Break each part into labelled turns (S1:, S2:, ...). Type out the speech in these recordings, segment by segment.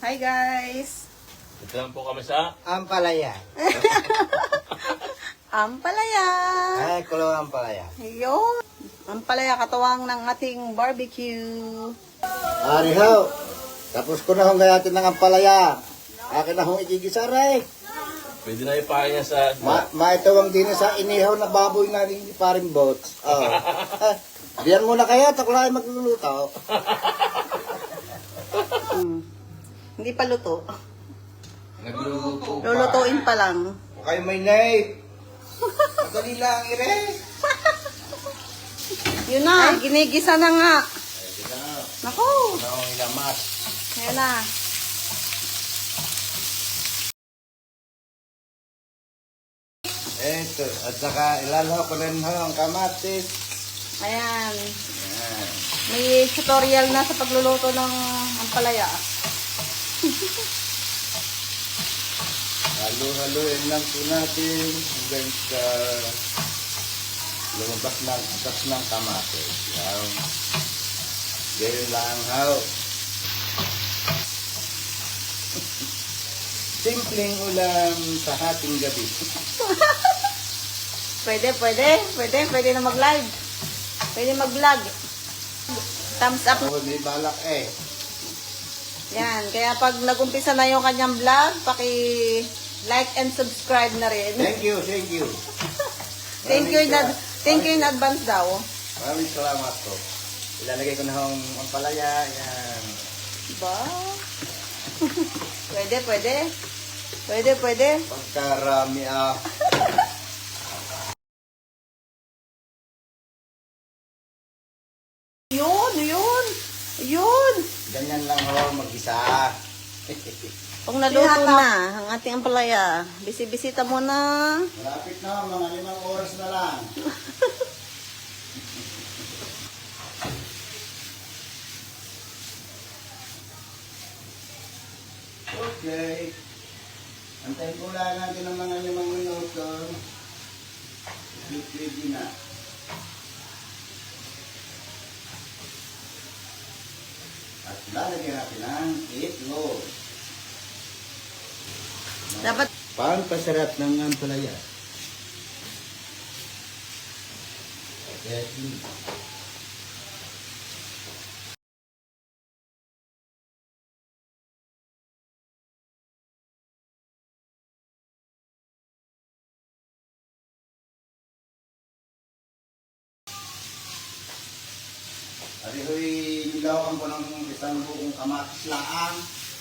S1: Hi guys!
S2: Ito lang po kami sa
S3: Ampalaya.
S1: Ampalaya!
S3: Ay, kulo ampalaya.
S1: Ayun! Ampalaya katuwang ng ating barbecue.
S3: Arihaw, tapos ko na hong gayatin ng ampalaya. Akin na hong ikigisaray.
S2: pwede na ipahay niya sa
S3: Maitawang din sa inihaw na baboy na ni paring boats. Oh. Diyan muna kayo, takulay magluluto.
S1: Hindi pa luto.
S3: Nagluluto pa.
S1: Lulutuin pa lang.
S3: Huwag kayo may naip. Madali lang, ire.
S1: Yun na, ginigisa na nga.
S3: Ay, kita na.
S1: Naku!
S3: Wala akong ilamas.
S1: Ayan na.
S3: Eto, at saka ilalaw ko rin ho ang kamatis.
S1: Ayan.
S3: Yan.
S1: May tutorial na sa pagluluto ng ampalaya.
S3: Halo-haloin lang po natin hanggang sa lumabas ng atas ng kamatis. Yan. Ganyan lang ho. Simpleng ulam sa hating gabi.
S1: Pwede na mag-live. Pwede mag-vlog. Thumbs up.
S3: Ako may balak eh.
S1: Yan, kaya pag nag-umpisa na yung kanyang vlog, paki-like and subscribe na rin.
S3: Thank you, thank you.
S1: Thank you in advance daw.
S3: Maraming salamat po. Ilalagay ko na ang ampalaya. Yan.
S1: Ba? Pwede.
S3: Pagkarami ah.
S1: Yun.
S3: Ganyan lang ho, mag-isa.
S1: Pag naluto na ang ating ampalaya, bisibisita mo na.
S3: Malapit na, mga 5 oras na lang. Okay. Antayin ko lang natin ang mga 5 minuto. Ready na. At lalagyan natin ang itlog.
S1: Dapat
S3: Pampasarap ng ampalaya. Okay. Arihoy, nilawan ko ng isang buong kamatis laang.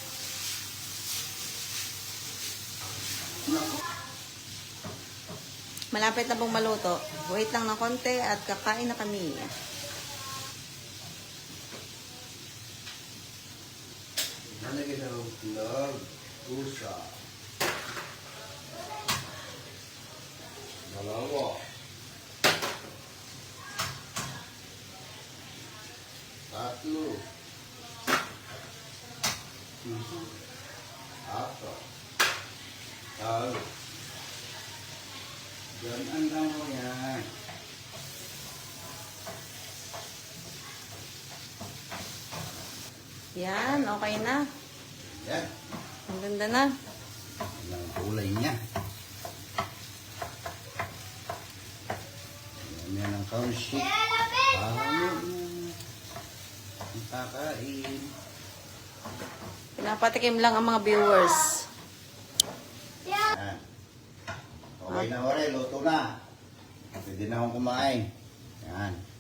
S1: malapit na pong maluto. Wait lang ng konti at kakain na kami.
S3: Nalagay na ang itlog, pusa. Dalawa. Tatlo. Apat. Talo. Ganyan lang mo yan.
S1: Yan, okay na.
S3: Yan.
S1: Ang ganda na.
S3: Yan ang kulay niya. Yan ang corn sheet. Ang kakain.
S1: Pinapatikim lang ang mga viewers.
S3: Yan. Okay na, ore. Luto na. Pwede na akong kumain. Yan.